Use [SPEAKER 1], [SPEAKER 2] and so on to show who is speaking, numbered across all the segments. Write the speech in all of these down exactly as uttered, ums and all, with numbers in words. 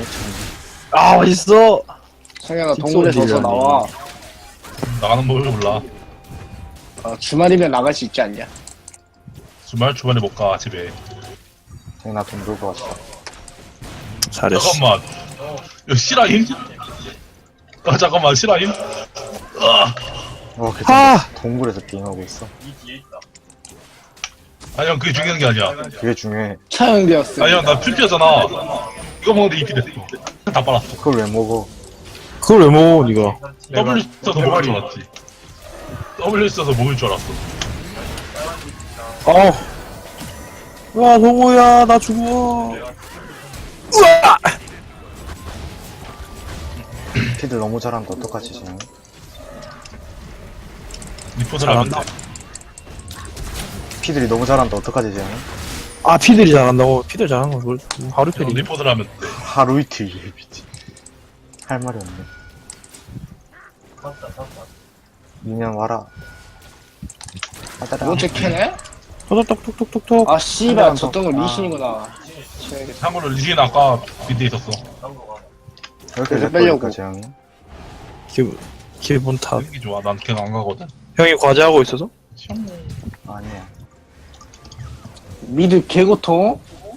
[SPEAKER 1] 아니니? 참.
[SPEAKER 2] 아 맛있어.
[SPEAKER 3] 성현아
[SPEAKER 2] 킥소리
[SPEAKER 3] 동굴에 서서
[SPEAKER 2] 들리라니.
[SPEAKER 3] 나와.
[SPEAKER 4] 나가는 법을 몰라.
[SPEAKER 3] 어, 주말이면 나갈 수 있지 않냐?
[SPEAKER 4] 주말 주말에 못 가 집에.
[SPEAKER 1] 쟤 나돈 들고 왔어.
[SPEAKER 2] 잘했어.
[SPEAKER 4] 잠깐만. 이거 실화임? 아 잠깐만 실화임? 아
[SPEAKER 1] 어, 그
[SPEAKER 2] 하!
[SPEAKER 1] 동굴에서 게임하고 있어.
[SPEAKER 4] 아니 형 그게 중요한 게 아니야.
[SPEAKER 1] 그게 중요해.
[SPEAKER 3] 처형되었어.
[SPEAKER 4] 아니 형나 풀피였잖아. 이거 먹는데 이피 됐어. 다 빨았어.
[SPEAKER 1] 그걸 왜 먹어?
[SPEAKER 2] 그걸 왜 먹어 니가?
[SPEAKER 4] W 써서 먹을 줄 알았지. W 써서 먹을 줄 알았어.
[SPEAKER 2] 어. 와 동호야 나 죽어. 우와!
[SPEAKER 1] 피들 너무 잘한다. 어떡하지, 쟤?
[SPEAKER 4] 리포트를 하면 돼.
[SPEAKER 2] 잘한다.
[SPEAKER 1] 피들이 너무 잘한다. 어떡하지, 쟤?
[SPEAKER 2] 아 피들이 잘한다고? 피들 잘하는 거 그걸 하루
[SPEAKER 4] 형,
[SPEAKER 2] 편이.
[SPEAKER 4] 리포트를 하면 돼.
[SPEAKER 1] 하루 이틀 예비지. 할 말이 없네. 미년 와라.
[SPEAKER 3] 이거 캐네?
[SPEAKER 2] 톡톡톡톡톡톡.
[SPEAKER 3] 아 씨발 저 뜬거 리신이구나. 쳐야겠다.
[SPEAKER 4] 참고로 리신 아까 밑에 있었어.
[SPEAKER 1] 이렇게
[SPEAKER 3] 그래서
[SPEAKER 1] 될
[SPEAKER 3] 빼려고.
[SPEAKER 1] 거니까, 쟤 형이.
[SPEAKER 2] 기분 기분 탓.
[SPEAKER 4] 이게 좋아. 난 걔가 안 가거든.
[SPEAKER 2] 형이 과제하고 있어서?
[SPEAKER 1] 아니야.
[SPEAKER 3] 미드 개고통.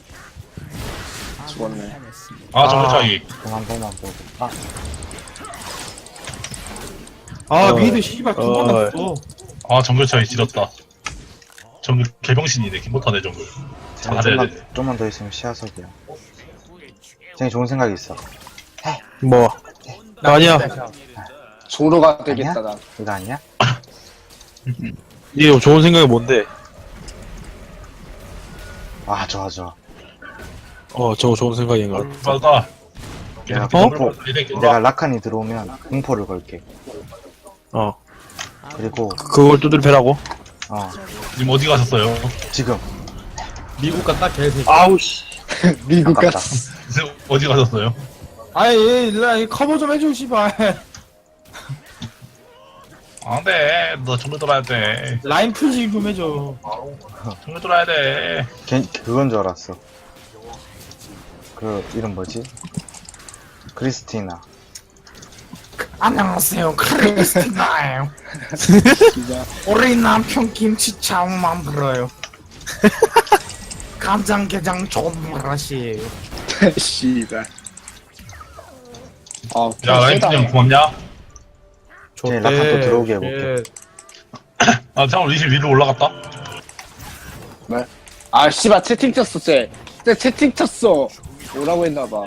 [SPEAKER 3] 죽었네.
[SPEAKER 4] 아 정글
[SPEAKER 2] 아.
[SPEAKER 4] 차이.
[SPEAKER 1] 그만 보만 보고. 아,
[SPEAKER 5] 아
[SPEAKER 2] 어.
[SPEAKER 5] 미드 씨발
[SPEAKER 2] 어.
[SPEAKER 5] 금방 났어.
[SPEAKER 4] 아 정글 차이 지렸다. 정글 개병신이네. 못하네 정글.
[SPEAKER 1] 쟤
[SPEAKER 4] 잘해야
[SPEAKER 1] 좀만,
[SPEAKER 4] 돼.
[SPEAKER 1] 좀만 더 있으면 시야석이야. 쟤 좋은 생각이 있어.
[SPEAKER 2] 뭐? 아니야.
[SPEAKER 3] 조로가 되겠다 난.
[SPEAKER 1] 이거 아니야?
[SPEAKER 2] 니 좋은 생각이 뭔데?
[SPEAKER 1] 아, 좋아, 좋아.
[SPEAKER 2] 어 저거 좋은 생각인 것 같아.
[SPEAKER 4] 맞다.
[SPEAKER 1] 내가
[SPEAKER 2] 어?
[SPEAKER 1] 공포, 내가 라칸이 들어오면 공포를 걸게.
[SPEAKER 2] 어
[SPEAKER 1] 그리고,
[SPEAKER 2] 그걸 두들 패라고?
[SPEAKER 1] 어,
[SPEAKER 4] 지금 어디 가셨어요?
[SPEAKER 1] 지금.
[SPEAKER 5] 미국 갔다 개새끼.
[SPEAKER 2] 아우 씨.
[SPEAKER 3] 미국
[SPEAKER 1] 아깝다.
[SPEAKER 3] 같아.
[SPEAKER 4] 지금 어디 가셨어요?
[SPEAKER 5] 아이 일라 커버 좀 해줘 씨발.
[SPEAKER 4] 안돼. 너 정글 돌아야 돼.
[SPEAKER 5] 라인 풀지 좀 해줘.
[SPEAKER 4] 정글 돌아야 돼.
[SPEAKER 1] 걔, 그건 줄 알았어. 그, 이름 뭐지? 크리스티나.
[SPEAKER 5] 안녕하세요 크리스티나예요.
[SPEAKER 3] 진짜.
[SPEAKER 5] 우리 남편 김치차우만 불어요. 간장게장 존맛이에요.
[SPEAKER 3] 씨발. 아,
[SPEAKER 4] 야 라인 그냥 고맙냐?
[SPEAKER 1] 걔 라칸 또 들어오게 해볼게.
[SPEAKER 4] 아 잠깐 리신 위로 올라갔다.
[SPEAKER 3] 아 씨발 채팅 쳤어 쟤. 쟤 채팅 쳤어. 뭐라고 했나봐.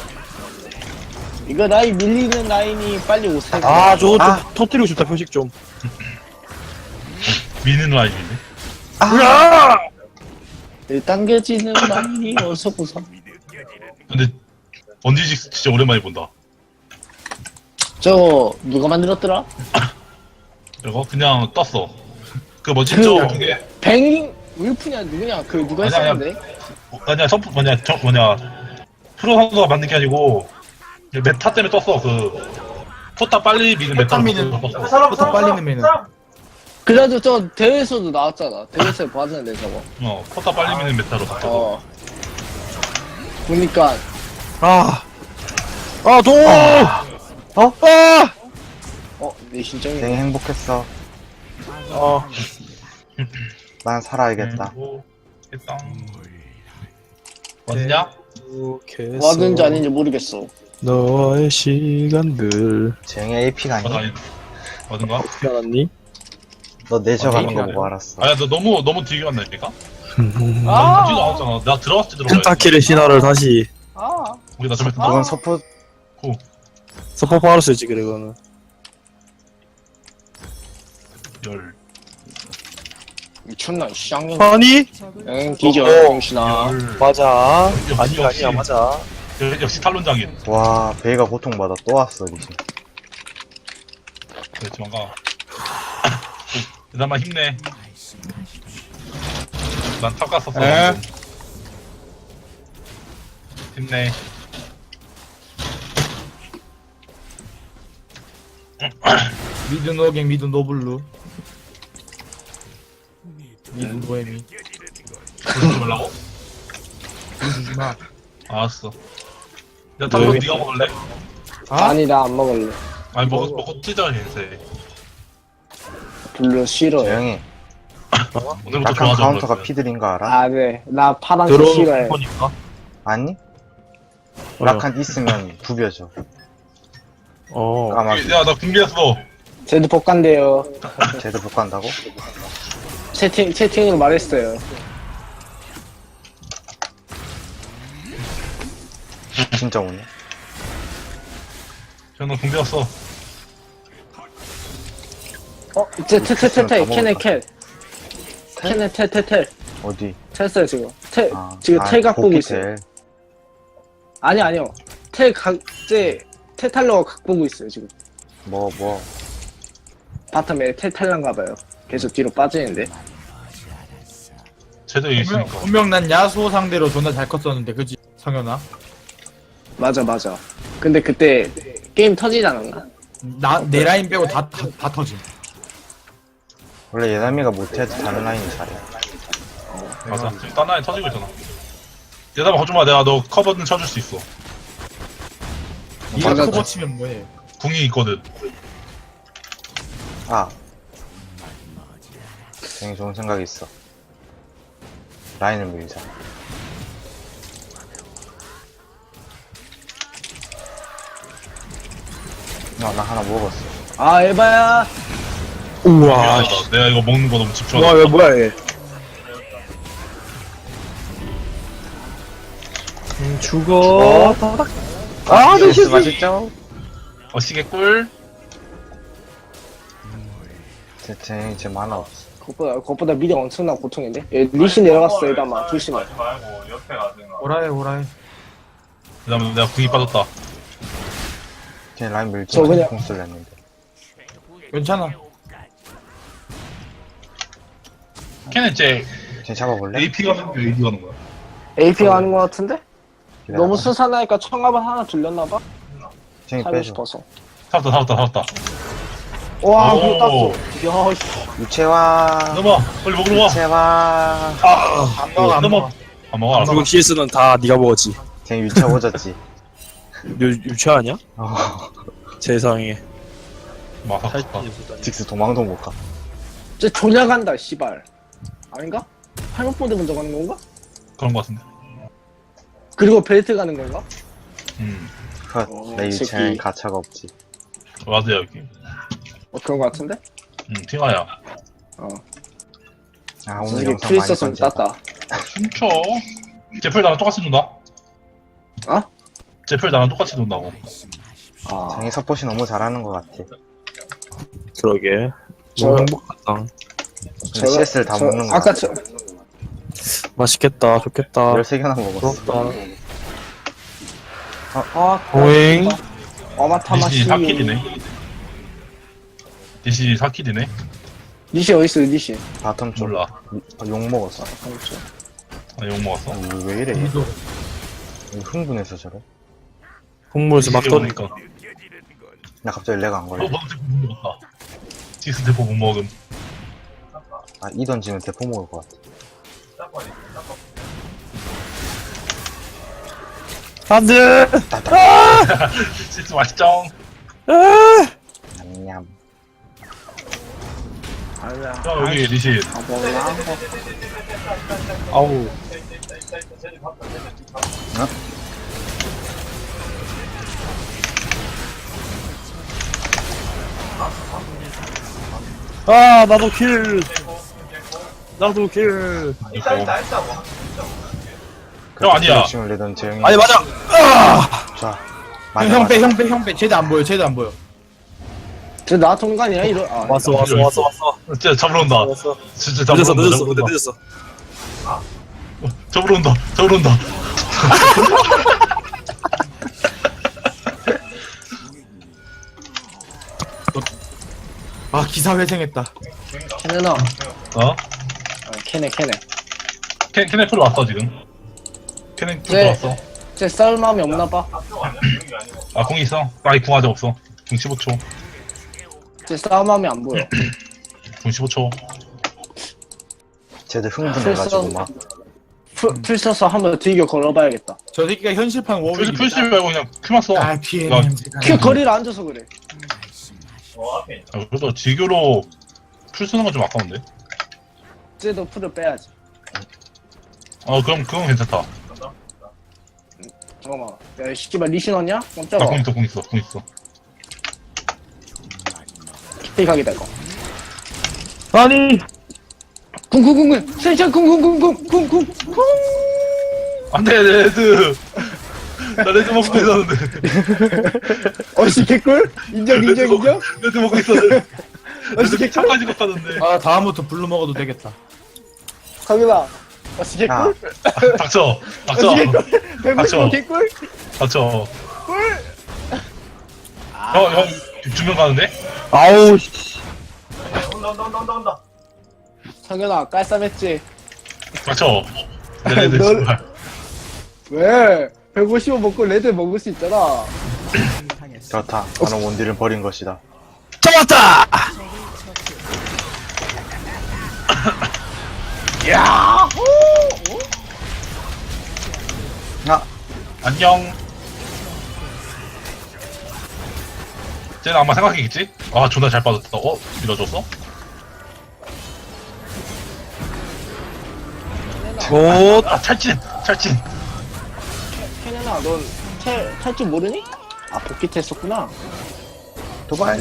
[SPEAKER 3] 이거 라인 밀리는 라인이 빨리 오세요.
[SPEAKER 2] 아 저거 좀
[SPEAKER 1] 아.
[SPEAKER 2] 터뜨리고 싶다 표식 좀.
[SPEAKER 4] 미는 라인이네.
[SPEAKER 2] 야!
[SPEAKER 3] 당겨지는 라인이 어서 보자.
[SPEAKER 4] 근데 번지직 진짜 오랜만에 본다.
[SPEAKER 3] 저거 누가 만들었더라?
[SPEAKER 4] 이거 그냥 떴어. 그 뭐지
[SPEAKER 3] 그-
[SPEAKER 4] 저 그게
[SPEAKER 3] 뱅 울프냐 누구냐 그 누가
[SPEAKER 4] 아니야, 아니야.
[SPEAKER 3] 했었는데?
[SPEAKER 4] 어, 아니야 선프 뭐냐 저 뭐냐 프로 선수가 만든 게 아니고 메타 때문에 떴어. 그 포타 빨리 미는 메타로
[SPEAKER 5] 미는-
[SPEAKER 4] 떴어.
[SPEAKER 5] 부터 빨리 넣으면은.
[SPEAKER 3] 그래도 저 대회에서도 나왔잖아. 대회에서 봤는데 저거.
[SPEAKER 4] 어 포타 빨리 미는 메타로 떴어.
[SPEAKER 3] 어. 보니까
[SPEAKER 2] 아. 아 동호. 어? 아.
[SPEAKER 3] 어 내 신정이.
[SPEAKER 1] 쟤 행복했어.
[SPEAKER 2] 어.
[SPEAKER 1] 난 살아야겠다.
[SPEAKER 4] 했다. 왔냐?
[SPEAKER 2] 계속해서
[SPEAKER 3] 왔는지 아닌지 모르겠어.
[SPEAKER 2] 너의 시간들
[SPEAKER 1] 쟤의 에이피가
[SPEAKER 4] 맞아
[SPEAKER 1] 아니?
[SPEAKER 4] 아니 어딘가?
[SPEAKER 2] 어떻게 알았니?
[SPEAKER 1] 너 내셔 가는 거
[SPEAKER 5] 에이피가
[SPEAKER 1] 보고 알았어.
[SPEAKER 4] 아야 너 너무 너무 뒤에 갔나니까?
[SPEAKER 3] 아.
[SPEAKER 4] 뒤도 나왔잖아. 나 들어갔을 때 들어가.
[SPEAKER 2] 펜타킬의 신화를 다시
[SPEAKER 3] 아.
[SPEAKER 4] 우리 나 좀
[SPEAKER 1] 그건 서포,
[SPEAKER 2] 서포파로 쓰지 그래 그거는.
[SPEAKER 4] 열.
[SPEAKER 3] 미쳤나 쌍년.
[SPEAKER 2] 아니?
[SPEAKER 3] 응 뒤져
[SPEAKER 2] 어.
[SPEAKER 3] 병신아.
[SPEAKER 4] 열.
[SPEAKER 2] 맞아.
[SPEAKER 4] 역시,
[SPEAKER 2] 아니야
[SPEAKER 4] 역시.
[SPEAKER 2] 아니야 맞아.
[SPEAKER 4] 역- 역시 탈론장인.
[SPEAKER 1] 와, 배가 고통받아. 또 왔어, 리신.
[SPEAKER 4] 그래 도망가. 그나마 힘내. 난 탑 갔었어.
[SPEAKER 5] 에?
[SPEAKER 4] 방금. 힘내.
[SPEAKER 5] 미드 노갱 미드 노블루. 미드 보헤미.
[SPEAKER 4] 그러지 말라고?
[SPEAKER 5] 주지 마.
[SPEAKER 4] 알았어. 야 탐구
[SPEAKER 2] 왜?
[SPEAKER 4] 네가 먹을래?
[SPEAKER 5] 아?
[SPEAKER 3] 아니 나 안 먹을래.
[SPEAKER 4] 아니 먹어 먹고 찢어 이제.
[SPEAKER 3] 별로 싫어해.
[SPEAKER 1] 조용히.
[SPEAKER 4] 오늘부터
[SPEAKER 1] 약간
[SPEAKER 4] 좋아져.
[SPEAKER 1] 카운터가 피들인 거 알아?
[SPEAKER 3] 아 네. 나 파란색
[SPEAKER 2] 들어오는
[SPEAKER 3] 싫어해.
[SPEAKER 2] 거니까.
[SPEAKER 1] 아니?
[SPEAKER 2] 어.
[SPEAKER 1] 라칸 있으면 구겨져.
[SPEAKER 2] 어.
[SPEAKER 1] 까마귀.
[SPEAKER 4] 야나 준비했어.
[SPEAKER 3] 쟤도 복간대요.
[SPEAKER 1] 쟤도 복구한다고?
[SPEAKER 3] 채팅 채팅으로 말했어요.
[SPEAKER 1] 진짜 오네.
[SPEAKER 4] 저는 준비했어.
[SPEAKER 3] 어, 이제 텔텔텔텔
[SPEAKER 1] 다
[SPEAKER 3] 캐네
[SPEAKER 1] 먹었다.
[SPEAKER 3] 텔. 캐네 텔텔텔.
[SPEAKER 1] 어디?
[SPEAKER 3] 텔어요 지금. 텔
[SPEAKER 1] 아,
[SPEAKER 3] 지금
[SPEAKER 1] 아,
[SPEAKER 3] 텔 갖고
[SPEAKER 1] 복귀
[SPEAKER 3] 있어요.
[SPEAKER 1] 텔.
[SPEAKER 3] 아니 아니요. 텔 각제 텔탈러가 각 보고 있어요 지금.
[SPEAKER 1] 뭐, 뭐.
[SPEAKER 3] 바텀에 텔탈런가 봐요. 계속 뒤로 빠지는데.
[SPEAKER 4] 쟤도
[SPEAKER 5] 분명,
[SPEAKER 4] 있으니까.
[SPEAKER 5] 분명 난 야수호 상대로 존나 잘 컸었는데 그지 성현아?
[SPEAKER 3] 맞아 맞아. 근데 그때 게임 터지지 않았나?
[SPEAKER 5] 나 내 라인 빼고 다, 다, 다 터짐.
[SPEAKER 1] 원래 예담이가 못해야지 다른 라인이 잘해.
[SPEAKER 4] 맞아. 지금 딴 라인 터지고 있잖아. 얘들아 거짓말 내가 너 커버는 쳐줄 수 있어.
[SPEAKER 5] 니가
[SPEAKER 3] 맞아.
[SPEAKER 5] 커버 치면 뭐해?
[SPEAKER 4] 궁이 있거든.
[SPEAKER 1] 아. 굉장히 좋은 생각이 있어. 라인을 밀자. 나, 나 하나 먹었어.
[SPEAKER 3] 아 에바야.
[SPEAKER 2] 우와.
[SPEAKER 4] 미안하다. 내가 이거 먹는 거 너무 집중하다.
[SPEAKER 2] 와, 왜 뭐야 얘? 음, 죽어.
[SPEAKER 1] 아, 루시스 맛있죠?
[SPEAKER 4] 어시계 꿀.
[SPEAKER 1] 쟤, 쟤, 쟤 만화 없어.
[SPEAKER 3] 그것보다 그것보다 미리 엄청난 고통인데. 얘 리시 내려갔어 에바마 조심해.
[SPEAKER 5] 오라해 오라해.
[SPEAKER 4] 그다음에 내가 궁이 빠졌다.
[SPEAKER 1] 쟤 라인 밀지
[SPEAKER 3] 저 그냥-
[SPEAKER 1] 공 쓸랬는데.
[SPEAKER 5] 괜찮아.
[SPEAKER 4] 걔는 쟤
[SPEAKER 1] 쟤 잡아볼래?
[SPEAKER 4] 에이피 가는 거야, 에이디 가는 거야.
[SPEAKER 3] 에이피가 하는 거 같은데?
[SPEAKER 1] 기다려봐.
[SPEAKER 3] 너무 수산하니까 청합을 하나 들렸나봐?
[SPEAKER 1] 쟤
[SPEAKER 3] 살고
[SPEAKER 1] 빼줘.
[SPEAKER 3] 싶어서.
[SPEAKER 4] 잡았다, 잡았다, 잡았다.
[SPEAKER 3] 와
[SPEAKER 4] 오.
[SPEAKER 3] 그거 땄어. 야 씨.
[SPEAKER 1] 유채화.
[SPEAKER 4] 넘어, 빨리 먹으러 와.
[SPEAKER 1] 유채화.
[SPEAKER 5] 안 먹어 안
[SPEAKER 4] 넘어.
[SPEAKER 5] 먹어.
[SPEAKER 4] 안 먹어, 알았어.
[SPEAKER 2] 지금 씨에스는 다 네가 먹었지.
[SPEAKER 1] 쟤 유채 오졌지.
[SPEAKER 2] 유 유치 아니야?
[SPEAKER 1] 어.
[SPEAKER 2] 세상에.
[SPEAKER 4] 마사카.
[SPEAKER 1] 직스 도망도 못 가.
[SPEAKER 3] 쟤 조냐 간다 씨발. 아닌가? 팔목보드 먼저 가는 건가?
[SPEAKER 4] 그런 거 같은데.
[SPEAKER 3] 그리고 벨트 가는 건가?
[SPEAKER 4] 음,
[SPEAKER 1] 컷.
[SPEAKER 3] 어,
[SPEAKER 1] 내
[SPEAKER 3] 이
[SPEAKER 1] 유채는
[SPEAKER 3] 새끼.
[SPEAKER 1] 가차가 없지.
[SPEAKER 4] 맞아, 여기.
[SPEAKER 3] 어 그런 거 같은데?
[SPEAKER 4] 음, 팅아야.
[SPEAKER 3] 어.
[SPEAKER 1] 아, 오늘
[SPEAKER 3] 솔직히
[SPEAKER 1] 영상
[SPEAKER 3] 풀
[SPEAKER 1] 많이
[SPEAKER 3] 있었으면
[SPEAKER 1] 던진다.
[SPEAKER 3] 땄다.
[SPEAKER 4] 춤춰. 제플 나랑 똑같이 논다.
[SPEAKER 3] 어?
[SPEAKER 4] 제플 나랑 똑같이 논다고.
[SPEAKER 3] 아.
[SPEAKER 1] 장이 서폿이 너무 잘하는 것 같아.
[SPEAKER 2] 그러게.
[SPEAKER 3] 저-
[SPEAKER 2] 너무 행복하다.
[SPEAKER 1] 근데 씨에스를 다 먹는 거야.
[SPEAKER 3] 아까 저
[SPEAKER 2] 맛있겠다. 좋겠다.
[SPEAKER 1] 열세 개나 먹었어.
[SPEAKER 2] 부럽다.
[SPEAKER 3] 아
[SPEAKER 2] 오잉.
[SPEAKER 3] 어마타마시.
[SPEAKER 4] 니시 사 킬이네. 니시 사 킬이네.
[SPEAKER 3] 니시 어디 있어 니시?
[SPEAKER 1] 바텀 쪽.
[SPEAKER 4] 몰라.
[SPEAKER 1] 아, 욕 먹었어.
[SPEAKER 3] 그렇죠.
[SPEAKER 4] 아, 욕 먹었어.
[SPEAKER 1] 아, 왜 이래?
[SPEAKER 5] 우리도
[SPEAKER 1] 왜 흥분해서 저래?
[SPEAKER 2] 국물에서 막
[SPEAKER 4] 니시
[SPEAKER 2] 떠니까.
[SPEAKER 4] 오니까.
[SPEAKER 1] 나 갑자기 렉 안
[SPEAKER 4] 어,
[SPEAKER 1] 걸려.
[SPEAKER 4] 방금 대포 못 먹었다. 지스 대포 못 먹음.
[SPEAKER 1] 아, 이 던지면 대포 먹을 것 같아.
[SPEAKER 2] 안 돼!
[SPEAKER 4] 지스 맛있죠?
[SPEAKER 1] 냠냠.
[SPEAKER 3] 아니야.
[SPEAKER 4] 야, 여기 니시.
[SPEAKER 3] 아 몰라.
[SPEAKER 2] 아우. 아, 나도 킬! 나도 킬!
[SPEAKER 4] 이거. 형 아니야.
[SPEAKER 1] 욕심을 내던 재영이.
[SPEAKER 2] 아니, 맞아!
[SPEAKER 1] 자, 맞아,
[SPEAKER 5] 형
[SPEAKER 1] 맞아.
[SPEAKER 5] 빼 형 빼 형 빼. 쟤도 안 보여 쟤도 안 보여.
[SPEAKER 3] 쟤 나한테 온거 아니야 이러. 아,
[SPEAKER 2] 왔어, 왔어, 왔어, 왔어.
[SPEAKER 4] 진짜 잡으러 온다.
[SPEAKER 2] 왔어.
[SPEAKER 4] 진짜 잡으러
[SPEAKER 2] 늦었어,
[SPEAKER 4] 온다.
[SPEAKER 2] 늦었어,
[SPEAKER 4] 잡으러 온다.
[SPEAKER 2] 늦었어.
[SPEAKER 4] 잡으러 온다. 잡으러 온다.
[SPEAKER 5] 아 기사 회생했다.
[SPEAKER 3] 캐네나.
[SPEAKER 4] 어?
[SPEAKER 3] 아, 캐네 캐네.
[SPEAKER 4] 캐, 캐네 풀 왔어, 지금. 캐네 풀
[SPEAKER 3] 네.
[SPEAKER 4] 들어왔어.
[SPEAKER 3] 쟤 싸울 마음이 없나 봐.
[SPEAKER 4] 아, 궁 있어? 아니, 궁 아직 없어. 궁 십오 초.
[SPEAKER 3] 쟤 싸울 마음이 안 보여.
[SPEAKER 4] 궁 십오 초.
[SPEAKER 1] 쟤들 흥분해가지고
[SPEAKER 3] 실수.
[SPEAKER 1] 막.
[SPEAKER 3] 풀, 풀 써서 한번 들겨 걸어봐야겠다.
[SPEAKER 5] 저 새끼가 현실판
[SPEAKER 4] 풀,
[SPEAKER 5] 워윅.
[SPEAKER 4] 풀스 말고 그냥 큐만 써.
[SPEAKER 5] 아 뒤에
[SPEAKER 4] 야,
[SPEAKER 5] 냄새가.
[SPEAKER 3] 큐 거리를 안 줘서 그래.
[SPEAKER 4] 아, 그래서 지교로 풀 쓰는 건 좀 아까운데.
[SPEAKER 3] 쟤도 풀을 빼야지.
[SPEAKER 4] 어, 그럼 그건 괜찮다.
[SPEAKER 3] 잠깐만. 야, 씨발 리신 왔냐?
[SPEAKER 4] 나
[SPEAKER 3] 깜짝아.
[SPEAKER 4] 공 있어, 공 있어, 공 있어.
[SPEAKER 3] 피각이다 이거.
[SPEAKER 2] 아니
[SPEAKER 3] 쿵쿵쿵쿵. 센션 쿵쿵쿵쿵쿵쿵쿵.
[SPEAKER 4] 안 돼, 레드. 나 레드 먹고 있었는데.
[SPEAKER 3] 어씨 개꿀? 인정 인정 인정?
[SPEAKER 4] 레드 먹고 있었는데.
[SPEAKER 3] 어씨
[SPEAKER 4] 레드
[SPEAKER 3] 개꿀?
[SPEAKER 4] 차까지 갔다는데.
[SPEAKER 5] 아 다음부터 블루 먹어도 되겠다.
[SPEAKER 3] 강윤아. 어씨
[SPEAKER 1] 야,
[SPEAKER 3] 개꿀?
[SPEAKER 4] 닥쳐, 닥쳐,
[SPEAKER 3] 어씨 개꿀? 백구십오
[SPEAKER 4] 닥쳐.
[SPEAKER 3] 개꿀?
[SPEAKER 4] 닥쳐.
[SPEAKER 3] 꿀?
[SPEAKER 4] 형, 형, 두 명 가는데?
[SPEAKER 2] 아우 씨
[SPEAKER 3] 상현아 깔쌈했지?
[SPEAKER 4] 닥쳐. 내 레드
[SPEAKER 3] 널-
[SPEAKER 4] 정말.
[SPEAKER 3] 왜? 백오십오 먹고 레드 먹을 수 있잖아.
[SPEAKER 1] 그렇다. 나는 원딜을 버린 것이다.
[SPEAKER 2] 잡았다.
[SPEAKER 3] 야!
[SPEAKER 1] 아,
[SPEAKER 4] 안녕. 쟤는 아마 생각했겠지? 아, 존나 잘 빠졌다. 어? 밀어줬어?
[SPEAKER 2] 오
[SPEAKER 4] 아, 찰진! 찰진!
[SPEAKER 3] 케네나 넌탈줄 모르니? 아 복귀 했었구나.
[SPEAKER 1] 도발.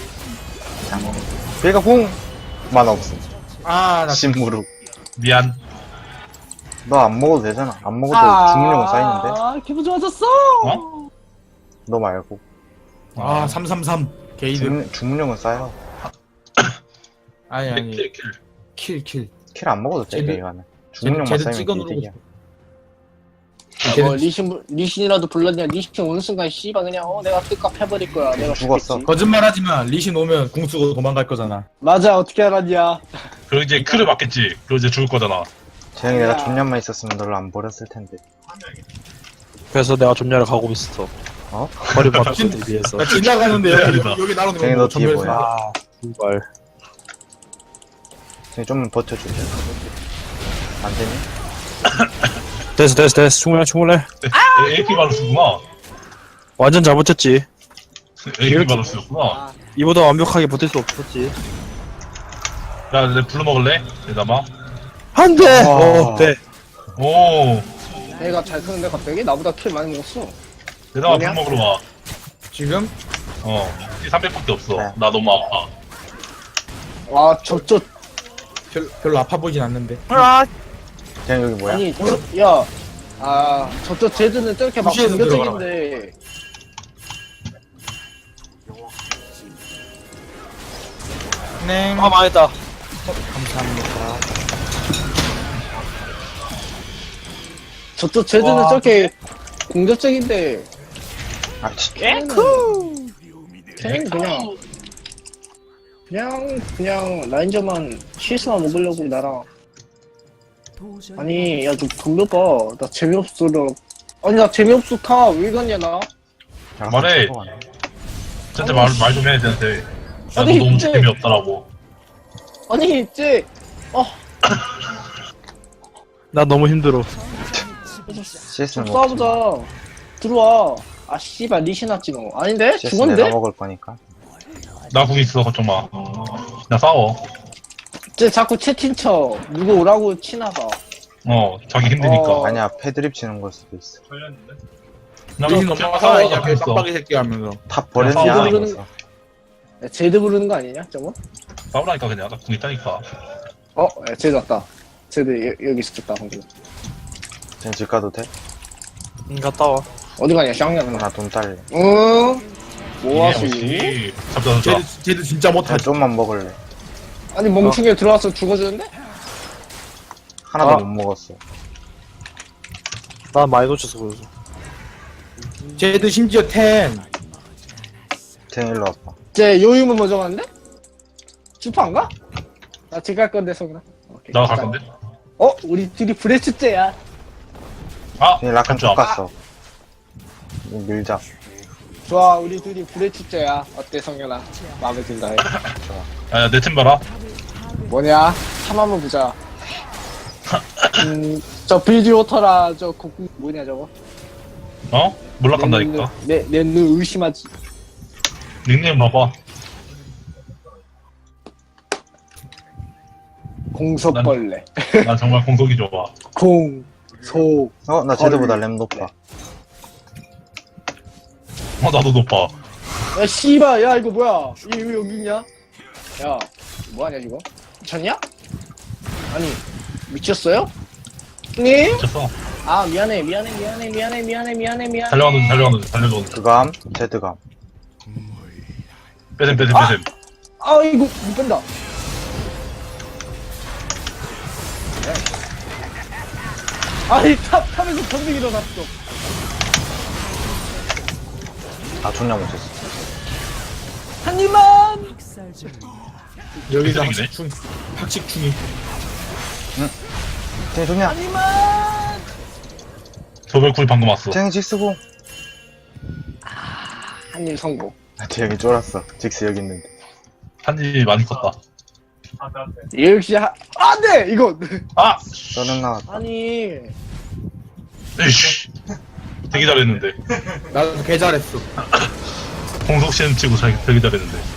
[SPEAKER 1] 배가 궁! 만 없음.
[SPEAKER 5] 아나
[SPEAKER 1] 심무룩.
[SPEAKER 4] 미안.
[SPEAKER 1] 너 안 먹어도 되잖아. 안 먹어도 주문력은 쌓이는데?
[SPEAKER 3] 아 기분 좋아졌어.
[SPEAKER 4] 어?
[SPEAKER 1] 너 말고.
[SPEAKER 5] 아 삼삼삼 게이드.
[SPEAKER 1] 주문, 주문력은 쌓여.
[SPEAKER 5] 아니
[SPEAKER 4] 킬,
[SPEAKER 5] 아니
[SPEAKER 4] 킬, 킬.
[SPEAKER 5] 킬 킬.
[SPEAKER 1] 킬 안 먹어도 돼,
[SPEAKER 5] 쟤들-
[SPEAKER 1] 이거는. 주문력만
[SPEAKER 5] 쟤들
[SPEAKER 1] 쌓이면
[SPEAKER 5] 찍어 누르고
[SPEAKER 1] 이득이야.
[SPEAKER 3] 야, 뭐 리신 리신이라도 불렀냐? 리신 오는 순간 씨발 그냥 어 내가 뜻값 해버릴 거야. 내가
[SPEAKER 1] 죽었어.
[SPEAKER 3] 죽겠지.
[SPEAKER 5] 거짓말하지만 리신 오면 궁 쓰고 도망갈 거잖아.
[SPEAKER 3] 맞아 어떻게 알았냐?
[SPEAKER 4] 그리고 이제 크를 맞겠지. 그리고 이제 죽을 거잖아.
[SPEAKER 1] 재영이 내가
[SPEAKER 3] 야.
[SPEAKER 1] 존년만 있었으면 너를 안 버렸을 텐데.
[SPEAKER 2] 그래서 내가 좀야를 가고 있어.
[SPEAKER 1] 어?
[SPEAKER 2] 버림받기 위해서.
[SPEAKER 5] 나 지나가는데 여기
[SPEAKER 4] 미안하다.
[SPEAKER 5] 여기 나오는
[SPEAKER 1] 쟤네 너
[SPEAKER 5] 거
[SPEAKER 1] 뒤에
[SPEAKER 5] 전멸.
[SPEAKER 1] 뭐야?
[SPEAKER 2] 아 정말.
[SPEAKER 1] 재영이 좀만 버텨줄래? 안 되니?
[SPEAKER 2] 됐어 됐어 됐어 충분해 충분해.
[SPEAKER 4] 에이피 바루스구나.
[SPEAKER 2] 완전 잘 버텼지.
[SPEAKER 4] 에이피 바루스였구나.
[SPEAKER 2] 이보다 완벽하게 버틸 수 없었지.
[SPEAKER 4] 야, 내 불러 먹을래? 대담아.
[SPEAKER 2] 안돼.
[SPEAKER 1] 와.
[SPEAKER 2] 어 네.
[SPEAKER 4] 오.
[SPEAKER 3] 내가 잘 크는데 갑자기 나보다 킬 많이 먹었어.
[SPEAKER 4] 대담아,
[SPEAKER 3] 뭐냐?
[SPEAKER 4] 불 먹으러 와.
[SPEAKER 5] 지금
[SPEAKER 4] 어. 삼백밖에 없어.
[SPEAKER 1] 네.
[SPEAKER 4] 나 너무 아파.
[SPEAKER 3] 와 저쪽
[SPEAKER 5] 별, 별로 아파 보이진 않는데.
[SPEAKER 1] 재영이 여기 뭐야?
[SPEAKER 3] 아니 저, 야. 아 저쪽 제드는 저렇게 막
[SPEAKER 5] 무시해서
[SPEAKER 3] 공격적인데
[SPEAKER 5] 네.
[SPEAKER 2] 아 망했다.
[SPEAKER 5] 감사합니다.
[SPEAKER 3] 저쪽 제드는
[SPEAKER 5] 와.
[SPEAKER 3] 저렇게 공격적인데
[SPEAKER 1] 아, 씨.
[SPEAKER 3] 에쿠 걔는 그냥 그냥 그냥 라인저만 실수만 먹으려고 나랑 아니 야 좀 돌려봐 나 재미없어 아니 나 재미없어 타왜 이러냐 나
[SPEAKER 4] 말해. 진짜 말, 말 좀 해야 되는데. 나
[SPEAKER 3] 아니,
[SPEAKER 4] 너 너무
[SPEAKER 3] 근데-
[SPEAKER 4] 재미없더라고.
[SPEAKER 3] 아니 쟤 어,
[SPEAKER 2] 나 너무 힘들어.
[SPEAKER 1] 씨에스는
[SPEAKER 3] 좀
[SPEAKER 1] 먹지 마.
[SPEAKER 3] 싸우자 들어와 아 씨발 리신 왔지 너 아닌데?
[SPEAKER 1] 씨에스
[SPEAKER 3] 죽었는데?
[SPEAKER 1] 내가 먹을 거니까.
[SPEAKER 4] 나 궁 있어, 걱정 마. 나 싸워.
[SPEAKER 3] 쟤 자꾸 채팅 쳐 누구 오라고 치나봐
[SPEAKER 4] 어, 자기 힘드니까.
[SPEAKER 3] 어.
[SPEAKER 1] 아니야, 패드립 치는 걸 수도 있어.
[SPEAKER 4] 나
[SPEAKER 5] 리신
[SPEAKER 4] 그럼
[SPEAKER 5] 엄마가
[SPEAKER 4] 싸워,
[SPEAKER 5] 살아있냐?
[SPEAKER 4] 나
[SPEAKER 5] 그
[SPEAKER 4] 있어.
[SPEAKER 5] 빡빡이 새끼 하면서.
[SPEAKER 1] 탑 버렸냐?
[SPEAKER 4] 싸우자.
[SPEAKER 1] 이러면서.
[SPEAKER 3] 야, 제드 부르는 거 아니냐 저거?
[SPEAKER 4] 싸우라니까 그냥. 나 궁 있다니까.
[SPEAKER 3] 어? 야, 제드 왔다 제드 여, 여기 있었다 방금
[SPEAKER 1] 재영 집 가도 돼?
[SPEAKER 2] 응 갔다 와.
[SPEAKER 3] 어디 가냐 쌍년
[SPEAKER 1] 나 돈 딸래.
[SPEAKER 3] 응?
[SPEAKER 4] 이게
[SPEAKER 3] 뭐하시?
[SPEAKER 4] 역시. 잡자, 잡자.
[SPEAKER 5] 쟤도 쟤도 진짜
[SPEAKER 1] 나
[SPEAKER 5] 못하지.
[SPEAKER 1] 좀만 먹을래.
[SPEAKER 3] 아니 멍충이 들어와서 죽어주는데?
[SPEAKER 1] 하나도
[SPEAKER 2] 아.
[SPEAKER 1] 못 먹었어.
[SPEAKER 2] 나 많이 놓쳐서 그러죠.
[SPEAKER 5] 쟤도 심지어 텐.
[SPEAKER 1] 재영 일로 와봐.
[SPEAKER 3] 쟤 요유문 먼저 가는데? 슈퍼 안 가? 나 집 갈 건데 성훈아 오케이.
[SPEAKER 4] 나갈 건데?
[SPEAKER 3] 어? 우리 둘이 브레츠째야
[SPEAKER 4] 아!
[SPEAKER 1] 재영 라칸
[SPEAKER 4] 깜짝.
[SPEAKER 1] 쫓갔어. 밀자.
[SPEAKER 3] 좋아 우리 둘이 브레츠째야 어때 성현아? 마음에 든다 해
[SPEAKER 4] 야, 내 템 봐라.
[SPEAKER 3] 뭐냐? 참 한번 보자 음, 저 빌드워터라 저 곡 뭐냐 저거?
[SPEAKER 4] 어? 몰락한다니까.
[SPEAKER 3] 내내눈 의심하지.
[SPEAKER 4] 닉네임 봐봐.
[SPEAKER 3] 공석벌레.
[SPEAKER 4] 난 정말 공속이 좋아.
[SPEAKER 3] 공소.
[SPEAKER 1] 어, 나 쟤들보다 램 높아.
[SPEAKER 4] 어, 나도 높아.
[SPEAKER 3] 야 씨발 야 이거 뭐야? 이거 왜 여기 있냐? 야 뭐하냐 이거? 미쳤냐? 아니 미쳤어요? 네?
[SPEAKER 4] 미쳤어.
[SPEAKER 3] 아 미안해 미안해 미안해 미안해 미안해 미안해 미안해.
[SPEAKER 4] 달려가는 달려가는 달려가는.
[SPEAKER 1] 그감, 제드감.
[SPEAKER 4] 빼셈 빼셈 빼셈.
[SPEAKER 3] 아 이거 못 뺀다. 아니 탑 탑에서 전쟁이 일어났어.
[SPEAKER 1] 아, 존나 못했어.
[SPEAKER 3] 한 입만.
[SPEAKER 5] 여기서
[SPEAKER 4] 쓰레기네.
[SPEAKER 5] 학식충 학식충이
[SPEAKER 1] 쟤 좋냐?
[SPEAKER 3] 한 입만.
[SPEAKER 4] 저별쿨 방금 왔어.
[SPEAKER 1] 쟤 직스고.
[SPEAKER 3] 한 입 성공.
[SPEAKER 1] 아, 쟤 여기 쫄았어. 직스 여기 있는데.
[SPEAKER 4] 한지 많이 컸다.
[SPEAKER 3] 역시 하... 안돼 이거.
[SPEAKER 4] 아!
[SPEAKER 1] 저는 나왔다.
[SPEAKER 3] 아니
[SPEAKER 4] 에이씨. 되게 잘했는데.
[SPEAKER 5] 나도 개 잘했어.
[SPEAKER 4] 공속 시험 치고 잘 되게 잘했는데.